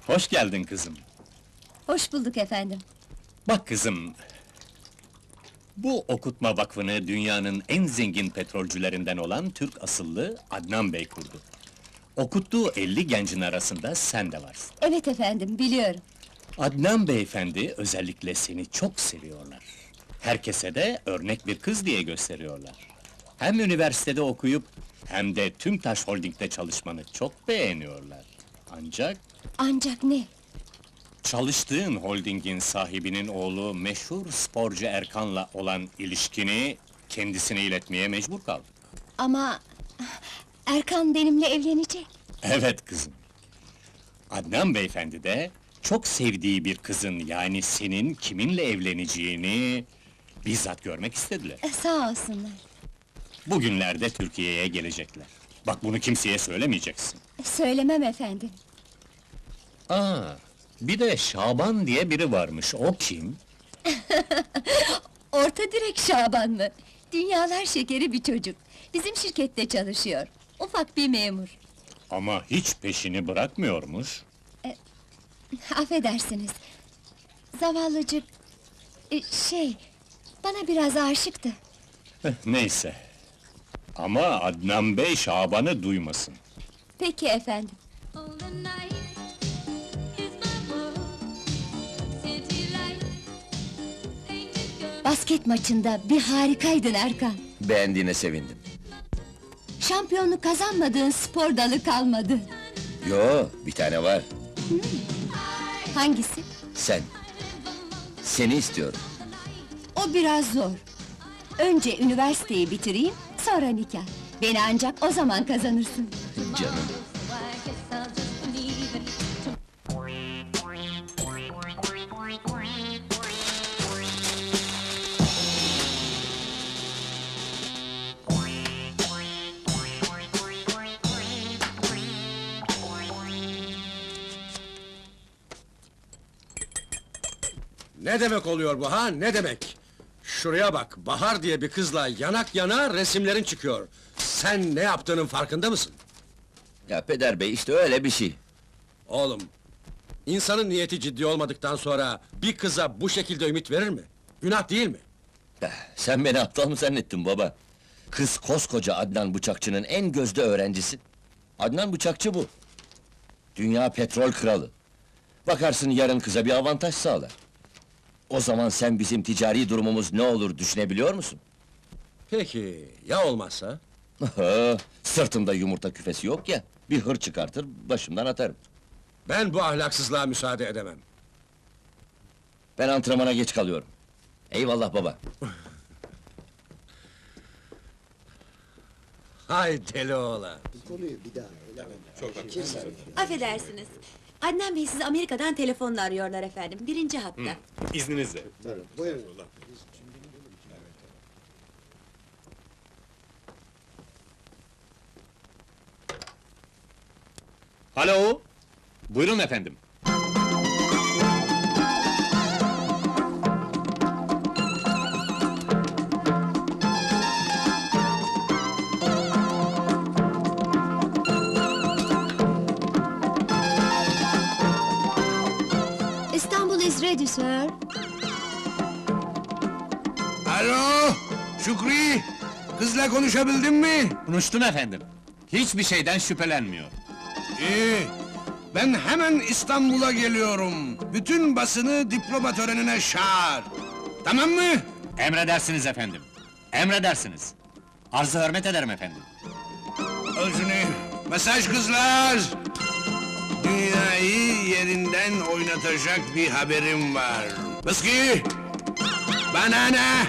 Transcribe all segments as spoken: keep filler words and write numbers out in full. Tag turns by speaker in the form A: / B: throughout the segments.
A: Hoş geldin kızım.
B: Hoş bulduk efendim.
A: Bak kızım... Bu okutma vakfını dünyanın en zengin petrolcülerinden olan Türk asıllı Adnan Bey kurdu. Okuttuğu elli gencin arasında sen de varsın.
B: Evet efendim, biliyorum.
A: Adnan beyefendi özellikle seni çok seviyorlar. Herkese de örnek bir kız diye gösteriyorlar. Hem üniversitede okuyup hem de Tümtaş Holding'de çalışmanı çok beğeniyorlar. Ancak
B: Ancak ne?
A: çalıştığın holdingin sahibinin oğlu meşhur sporcu Erkan'la olan ilişkini kendisine iletmeye mecbur kaldık.
B: Ama... Erkan benimle evlenecek.
A: Evet kızım. Adnan beyefendi de çok sevdiği bir kızın, yani senin kiminle evleneceğini bizzat görmek istediler.
B: E, sağ olsunlar.
A: Bugünlerde Türkiye'ye gelecekler. Bak bunu kimseye söylemeyeceksin.
B: Söylemem efendim.
A: Aa, bir de Şaban diye biri varmış, o kim?
B: Orta direk Şaban mı? Dünyalar şekeri bir çocuk. Bizim şirkette çalışıyor. Ufak bir memur.
A: Ama hiç peşini bırakmıyormuş.
B: Affedersiniz. Zavallıcık... e, şey... Bana biraz aşıktı.
A: Eh, neyse. Ama Adnan Bey Şaban'ı duymasın.
B: Peki efendim.
C: All the night is my world. City light, painted girl.
B: Basket maçında bir harikaydın Erkan.
D: Beğendiğine sevindim.
B: Şampiyonluk kazanmadığın spor dalı kalmadı.
D: Yo, bir tane var.
B: Hangisi?
D: Sen. Seni istiyorum.
B: O biraz zor. Önce üniversiteyi bitireyim, sonra nikah. Beni ancak o zaman kazanırsın.
D: Canım.
C: So I guess I'll just believe it.
E: Ne demek oluyor bu ha, ne demek? Şuraya bak, Bahar diye bir kızla yanak yana resimlerin çıkıyor. Sen ne yaptığının farkında mısın?
D: Ya peder bey, işte öyle bir şey.
E: Oğlum, insanın niyeti ciddi olmadıktan sonra bir kıza bu şekilde ümit verir mi? Günah değil mi?
D: Eh, Sen beni aptal mı zannettin baba? Kız koskoca Adnan Bıçakçı'nın en gözde öğrencisi. Adnan Bıçakçı bu. Dünya petrol kralı. Bakarsın yarın kıza bir avantaj sağlar. O zaman sen bizim ticari durumumuz ne olur düşünebiliyor musun?
E: Peki, ya olmazsa?
D: Sırtımda yumurta küfesi yok ya, bir hır çıkartır, başımdan atarım.
E: Ben bu ahlaksızlığa müsaade edemem.
D: Ben antrenmana geç kalıyorum. Eyvallah baba.
E: Hay deli oğlan!
F: Affedersiniz. Adnan Bey sizi Amerika'dan telefonla arıyorlar efendim. Birinci hatta.
A: İzninizle. Alo! Buyurun efendim.
B: Istanbul is ready, sir.
G: Alo, Şükrü! Kızla konuşabildin mi?
A: Konuştum efendim. Hiçbir şeyden şüphelenmiyor.
G: İyi. Ben hemen İstanbul'a geliyorum. Bütün basını diploma törenine çağır. Tamam mı?
A: Emredersiniz efendim. Emredersiniz. Arzı hürmet ederim efendim.
G: Özünü. Mesaj kızlar! Dünyayı yerinden oynatacak bir haberim var. Mıski! Bana ne?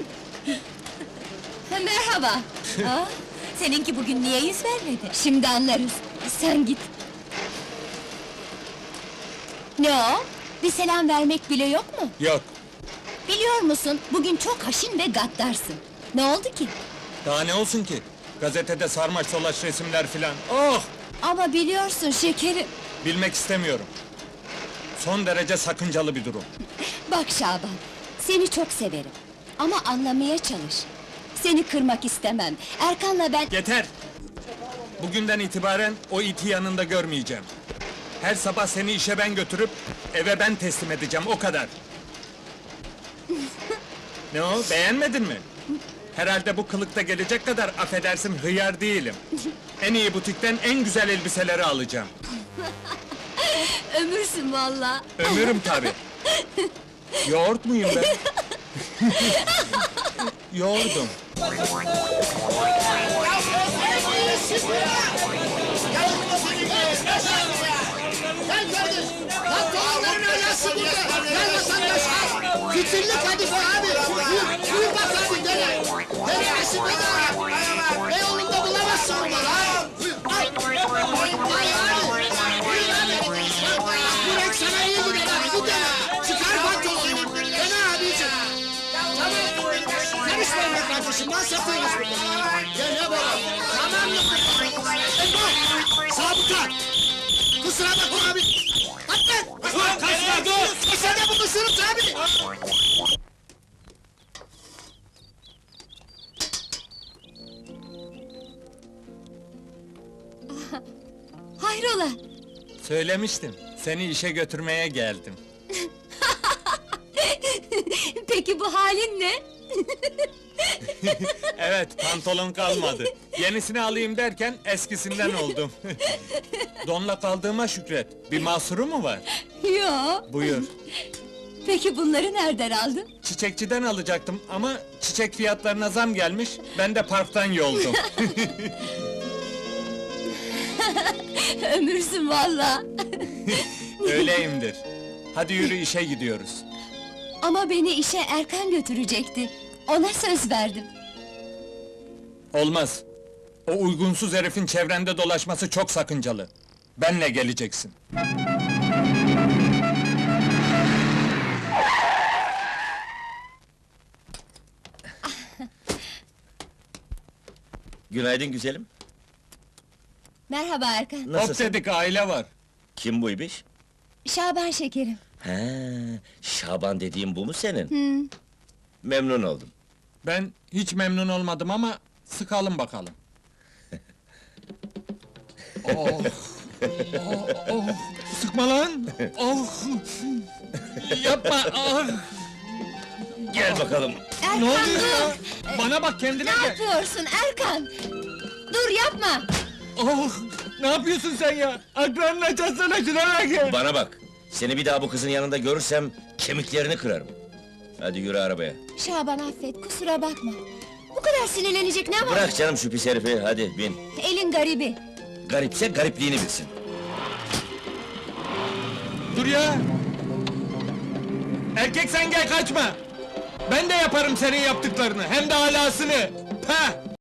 B: Ha, merhaba. Aa,
F: Seninki bugün niye yüz vermedi?
B: şimdi anlarız. Sen git. Ne o? Bir selam vermek bile yok mu?
A: Yok.
B: Biliyor musun, bugün çok haşin ve gaddarsın. Ne oldu ki?
H: Daha ne olsun ki? Gazetede sarmaş dolaş resimler filan. Oh!
B: Ama biliyorsun şekerim.
H: Bilmek istemiyorum. Son derece sakıncalı bir durum.
B: Bak Şaban, seni çok severim. Ama anlamaya çalış. Seni kırmak istemem. Erkan'la ben...
H: Yeter! Bugünden itibaren o iti yanında görmeyeceğim. Her sabah seni işe ben götürüp, eve ben teslim edeceğim, o kadar. Ne o, beğenmedin mi? Herhalde bu kılıkta gelecek kadar affedersin hıyar değilim. En iyi butikten en güzel elbiseleri alacağım.
B: Ömürsün valla.
H: Ömürüm tabi. Yoğurt muyum ben? Yoğurdum.
I: Gel kardeş! Lan doğanların ailesi burada! Gel vatandaş al! Fitilli kadife abi! Buyur, buyur bak abi dene! Dene aşık bedava! Beyoğlu'nda bulamazsın onu lan! Buyur, al! Vay abi! Buyur abi! Bu renk sana iyi gider abi, bu dene! Çıkar pantolonu! Dene abicim! Tamam! Karışmayın be kardeşim, ben satıyoruz burada! Gel ne baba! Tamam mı? Ebo! Sabıka! Kusura bakma abi! Atlan! Dur, kaçma dur! Sen de bu kusuruz abi!
B: Hayrola?
H: Söylemiştim, seni işe götürmeye geldim.
B: Peki bu halin ne?
H: Evet, pantolon kalmadı. Yenisini alayım derken eskisinden oldum. Donla kaldığıma şükret. Bir mahsuru mu var?
B: Yo.
H: Buyur.
B: Peki bunları nereden aldın?
H: Çiçekçiden alacaktım ama çiçek fiyatlarına zam gelmiş. Ben de parktan yoldum.
B: Ömürsün valla.
H: Öyleyimdir. Hadi yürü, işe gidiyoruz.
B: Ama beni işe Erkan götürecekti. Ona söz verdim.
H: Olmaz. O uygunsuz herifin çevrende dolaşması çok sakıncalı. Benle geleceksin.
D: Günaydın güzelim.
B: Merhaba Erkan.
H: Hop
D: Nasılsın?
H: dedik, aile var.
D: Kim bu ibiş?
B: Şaban şekerim.
D: He, Şaban dediğim bu mu senin?
B: Hı.
D: Memnun oldum.
H: Ben hiç memnun olmadım ama sıkalım bakalım. oh, oh, oh. Sıkma lan! Oh! Yapma! Ah!
D: Gel bakalım.
B: Erkan
H: Ne oluyor
B: dur!
H: ya? Bana bak, kendine
B: Ne
H: gel!
B: yapıyorsun Erkan? Dur yapma!
H: Oh! Ne yapıyorsun sen ya? Akranını açarsana, şuna gel!
D: Bana bak. Seni bir daha bu kızın yanında görürsem kemiklerini kırarım. Hadi yürü arabaya.
B: Şaban affet, kusura bakma. Bu kadar sinirlenecek ne var?
D: Bırak canım şu pis herifi, hadi bin.
B: Elin garibi.
D: Garipse garipliğini bilsin.
H: Dur ya! Erkek sen gel, kaçma! Ben de yaparım senin yaptıklarını, hem de alasını! Pah!